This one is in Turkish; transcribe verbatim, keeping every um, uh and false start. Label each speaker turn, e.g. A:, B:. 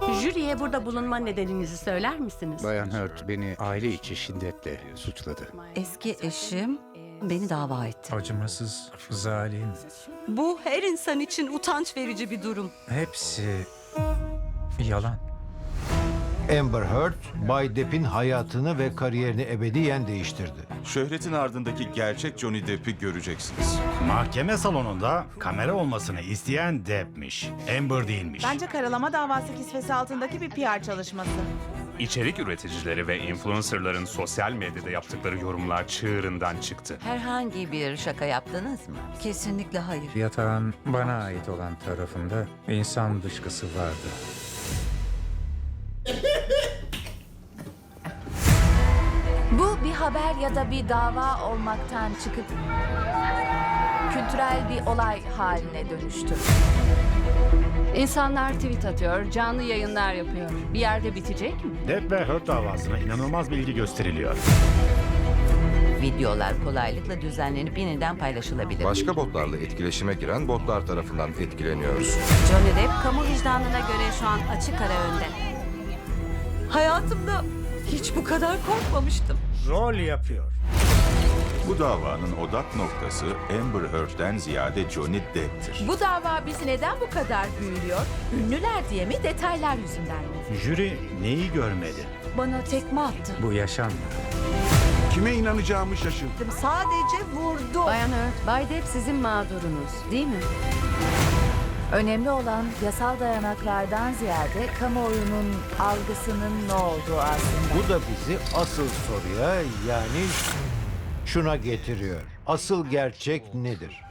A: Jüriye burada bulunma nedeninizi söyler misiniz?
B: Bayan Hurt beni aile içi şiddetle suçladı.
C: Eski eşim beni dava etti.
D: Acımasız, zalim.
C: Bu her insan için utanç verici bir durum.
D: Hepsi yalan.
E: Amber Heard, Bay Depp'in hayatını ve kariyerini ebediyen değiştirdi.
F: Şöhretin ardındaki gerçek Johnny Depp'i göreceksiniz.
G: Mahkeme salonunda kamera olmasını isteyen Depp'miş. Amber değilmiş.
H: Bence karalama davası kisvesi altındaki bir P R çalışması.
I: İçerik üreticileri ve influencerların sosyal medyada yaptıkları yorumlar çığırından çıktı.
J: Herhangi bir şaka yaptınız mı?
C: Kesinlikle hayır.
D: Yatağın bana ait olan tarafında insan dışkısı vardı.
K: Bu bir haber ya da bir dava olmaktan çıkıp kültürel bir olay haline dönüştü.
A: İnsanlar tweet atıyor, canlı yayınlar yapıyor. Bir yerde bitecek mi?
G: Depp ve Heard davasına inanılmaz bir ilgi gösteriliyor.
J: Videolar kolaylıkla düzenlenip yeniden paylaşılabilir.
L: Başka botlarla etkileşime giren botlar tarafından etkileniyoruz.
A: Johnny Depp kamu vicdanına göre şu an açık ara önde.
C: Hayatımda hiç bu kadar korkmamıştım.
G: Rol yapıyor.
F: Bu davanın odak noktası Amber Heard'den ziyade Johnny Depp'tir.
K: Bu dava bizi neden bu kadar büyülüyor? Ünlüler diye mi, detaylar yüzünden mi?
G: Jüri neyi görmedi?
C: Bana tekme attı.
D: Bu yaşanmadı.
F: Kime inanacağımı şaşırdım.
C: Sadece vurdu.
K: Bayan Heard, Bay Depp sizin mağdurunuz, değil mi? Önemli olan yasal dayanaklardan ziyade kamuoyunun algısının ne olduğu aslında.
E: Bu da bizi asıl soruya, yani şuna getiriyor. Asıl gerçek nedir?